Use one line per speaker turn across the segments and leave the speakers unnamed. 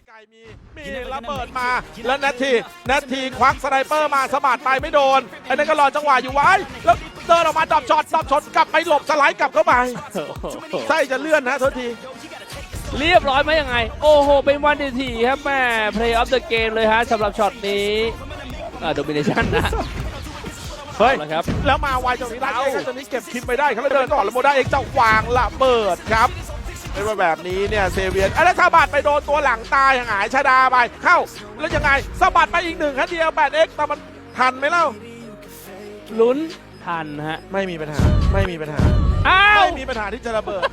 ไกลมีระเบิดมาแล้วนาทีควักสไนเปอร์มาสะบัดไปไม่โดนไอ้นั่นก็รอจังหวะอยู่ไว้แล้วเดินออกมาดับช็อตกลับไปหลบสไลด์กลับเข้าไปไส้จะเลื่อนนะโทษที
เรียบร้อยไหมยังไงโอ้โหเป็นวันดีทีครับแม่ play of the game เลยฮะสำหรับช็อตนี้domination นะ
เฮ้ย
ครับ
แล้วมาไวจังนี้ได้เองตอนนี้เก็บคิมไปได้เขาเลยเดินก่อนแล้วโมได้เองจะวางระเบิดครับเป็นแบบนี้เนี่ยเซเวียนแล้วสะบัดไปโดนตัวหลังตายหายชาดาไปเข้าแล้วยังไงสะบัดไปอีกหนึ่งครับเดียว 8x แต่มันทันไหมเล่า
ลุ้นทันฮะ
ไม่มีปัญหา
อ้าว
ไม่มีปัญหาที่จะระเบิด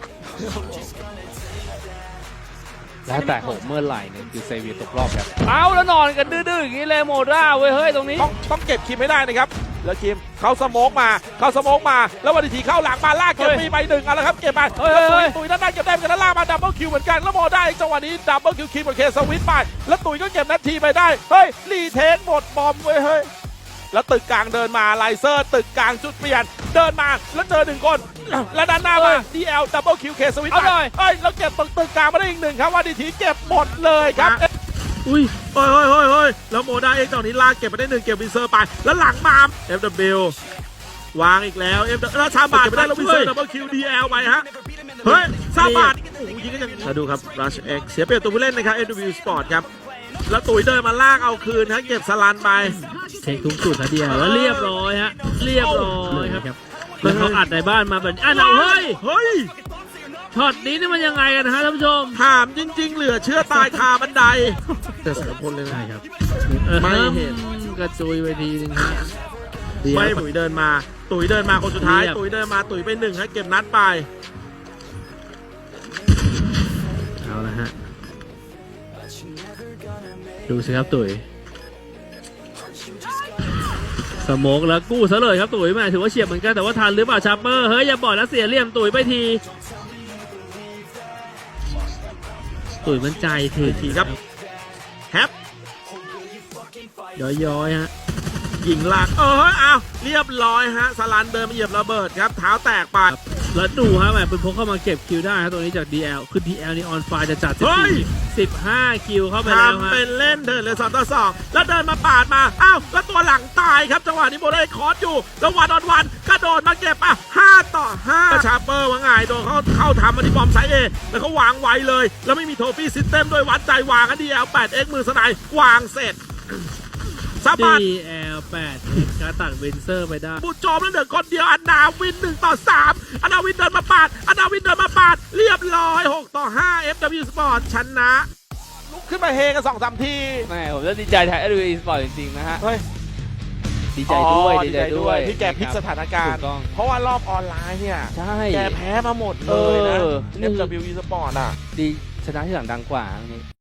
แล้วแต่โหเมื่อไหร่เนี่ยคือเซเวียตกรอบครับเอาแล้วนอนกันดื้อๆอย่างนี้เลยโมด้าเว้ยเฮ้ยตรงนี้
ต้องเก็บคิมให้ได้นะครับแล้วคิมเขาสโมกมาแล้ววันทีเข้าหลังมาลากเก็บมีไปหนึ่งแล้วครับเก็บไปตุ๋ยด้านหน้าเก็บได้กันแล้วลากมาดับเบิลคิวเหมือนกันแล้วโมได้จังหวะนี้ดับเบิลคิวคิมกับเคสวิตไปแล้วตุ๋ยก็เก็บนาทีไปได้เฮ้ยรีเทคหมดบอมเว้ยเฮ้ยแล้วตึกกลางเดินมาไลเซอร์ตึกกลางจุดเปลี่ยนเดินมาแล้วเจอหนึ่งคนแล้วด้านหน้ามา DL ดับเบิลคิวเคสวิตไปเฮ้ยแล้วเก็บตึกกลางมาได้อีกหนึ่งครับวันทีเก็บหมดเลยครับอุ้ยเฮ้ยแล้วโมได้เองตอนนี้ลากเก็บไปได้หนึ่งเก็บวินเซอร์ไปแล้วหลังมา FW วางอีกแล้วแล้วซาบาดเก็บไปได้แล้ววินเซอร์ดับเบิลคิว DL ไปฮะเฮ้ยซาบาดโอ้ยยิงก็ยังมาดูครับ Rush X เสียเปรียบตัวผู้เล่นนะครับ FW Sport ครับแล้วตุ๋ยเดินมาลากเอาคืนฮะเก็บสลันไป
เช็คทุกจุดนะเดียวแล้วเรียบร้อยฮะเรียบร้อยครับแล้วเขาอัดในบ้านมาแบบเฮ้ยช็อตนี้นี่มันยังไงกันนะฮะท่านผู้ชม
ถามจริงๆเหลือเชื่อตายคาบันไดแต่สารพลเลย
ครับ
ไม่เห็น
กระจุยไปทีนึงฮะ
ไม่ตุ๋ยเดินมาคนสุดท้ายตุ๋ยเดินมาตุ๋ยไปหนึ่งให้เก็บนัดไป
เอาละฮะดูสิครับตุ๋ยสโมกแล้วกู้ซะเลยครับตุ๋ยแม่ถือว่าเฉียบเหมือนกันแต่ว่าทันหรือเปล่าชาร์เปอร์เฮ้ยอย่าบอกนะเสียเหลี่ยมตุ๋ยไปทีตุ๋ยมันใจที
ครับแฮป
ย้อยฮะ
ยิงหลักอ้าวเรียบร้อยฮะสลันเดินมาเหยียบระเบิดครับเท้าแตกไป
แล้วดูฮะแบบเป็นพกเข้ามาเก็บคิวได้ฮะตัวนี้จาก DL คือ DL นี่ออนไฟจะจัด15คิวเข้าไปแล้วฮะ
เป็นเล่นเดินเลย2-2แล้วเดินมาปาดมาอ้าวแล้วตัวหลังตายครับจังหวะนี้โมได้คอร์สอยู่แล้ววันกระโดดมาเก็บ5-5ชาร์เปอร์ว่าไงโดนเข้าทำมาที่บอมไซเอแล้วเขาวางไว้เลยแล้วไม่มีโทฟี่ซิสเต็มด้วยวัดใจวางกัน DL 8x มือสไนด์วางเสร็จ
DL 8การตัดวินเซอร์ไปได้
บุจอมแล้วเหลือคนเดียวอนาวิน1-3อนาวินเดินมาปาดเรียบร้อย6-5 FW Sport ชนะลุกขึ้นมาเฮกัน 2-3 ที
แม่ผมจะดีใจแทน FW Sport จริงๆนะฮะดีใจด้วย
ที่แกพลิกสถานการณ์เพราะว่ารอบออนไลน์เนี่ยแกแพ้มาหมดเลยนะ FW Sport อ่ะ
ดีชนะที่หลังดังกว่า